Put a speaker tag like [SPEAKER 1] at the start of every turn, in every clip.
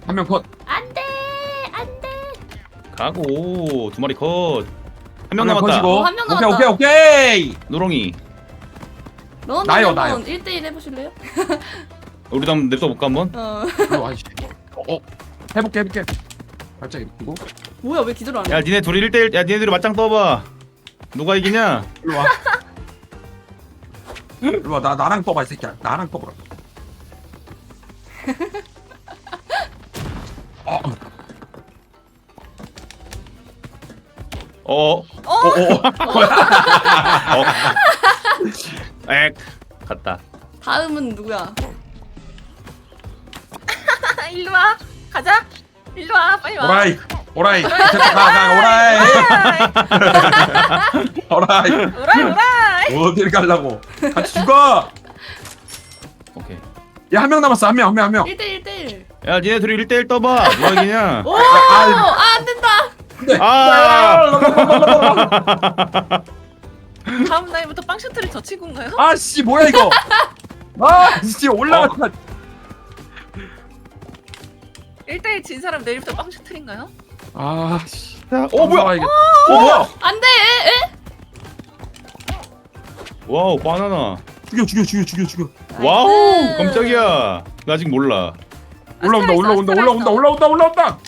[SPEAKER 1] 한 명 컷.
[SPEAKER 2] 안돼 안돼.
[SPEAKER 3] 가고 2마리 컷. 한 명
[SPEAKER 1] 명
[SPEAKER 3] 남았다.
[SPEAKER 1] 컷이고.
[SPEAKER 2] 한 명
[SPEAKER 1] 오케이
[SPEAKER 2] 남았다.
[SPEAKER 1] 오케이.
[SPEAKER 3] 노롱이.
[SPEAKER 1] 나요,
[SPEAKER 2] 너는
[SPEAKER 1] 나요.
[SPEAKER 2] 한번 1대1 해보실래요?
[SPEAKER 3] 우리도 한번 냅둬 볼까 한번?
[SPEAKER 1] 어, 아이씨. 해볼게. 발짝 이렇게.
[SPEAKER 2] 뭐야 왜 기도를 안 해?
[SPEAKER 3] 야 니네 둘이 1대1. 야 니네들이 맞짱 떠봐. 누가 이기냐?
[SPEAKER 1] 일로 와. 일로 와. 나랑 떠봐 이 새끼야. 나랑 떠보라.
[SPEAKER 3] 어. 액. 갔다.
[SPEAKER 2] 다음은 누구야?
[SPEAKER 4] 일로 와. 가자. 일로 와. 빨리 와.
[SPEAKER 1] 오라이. 됐다. 가. 오라이.
[SPEAKER 4] 오라이.
[SPEAKER 1] 어딜 가려고? 같이 죽어.
[SPEAKER 3] 오케이.
[SPEAKER 1] 야, 한 명 남았어. 한 명.
[SPEAKER 2] 1대1 1대1.
[SPEAKER 3] 야 니네 둘이 1대1 떠봐. 누가 이기냐?
[SPEAKER 2] 오! 안 된다.
[SPEAKER 3] 아.
[SPEAKER 4] 다음 날부터 빵 셔틀이 저 친구인가요?
[SPEAKER 1] 아씨, 뭐야 이거? 씨 올라갔다.
[SPEAKER 4] 1대1 진 사람 내일부터 빵 셔틀인가요?
[SPEAKER 1] 씨.
[SPEAKER 3] 뭐야?
[SPEAKER 1] 뭐야?
[SPEAKER 2] 안돼.
[SPEAKER 3] 와우 바나나.
[SPEAKER 1] 죽여.
[SPEAKER 3] 와우 깜짝이야. 나 아직 몰라.
[SPEAKER 1] 올라온다.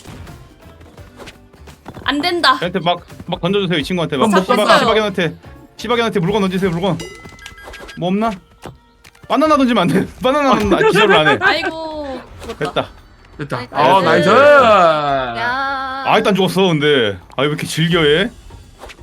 [SPEAKER 2] 안 된다.
[SPEAKER 3] 걔한테 막 던져주세요 이 친구한테. 막
[SPEAKER 2] 잡고 있어요.
[SPEAKER 3] 시바견한테 물건 던지세요 물건. 뭐 없나? 바나나 던지면 안 돼. 바나나는 기절을 안 해.
[SPEAKER 2] 아이고 죽었다.
[SPEAKER 3] 됐다.
[SPEAKER 1] 나이스.
[SPEAKER 4] 야.
[SPEAKER 3] 아 일단 죽었어 근데. 아 왜 이렇게 즐겨해?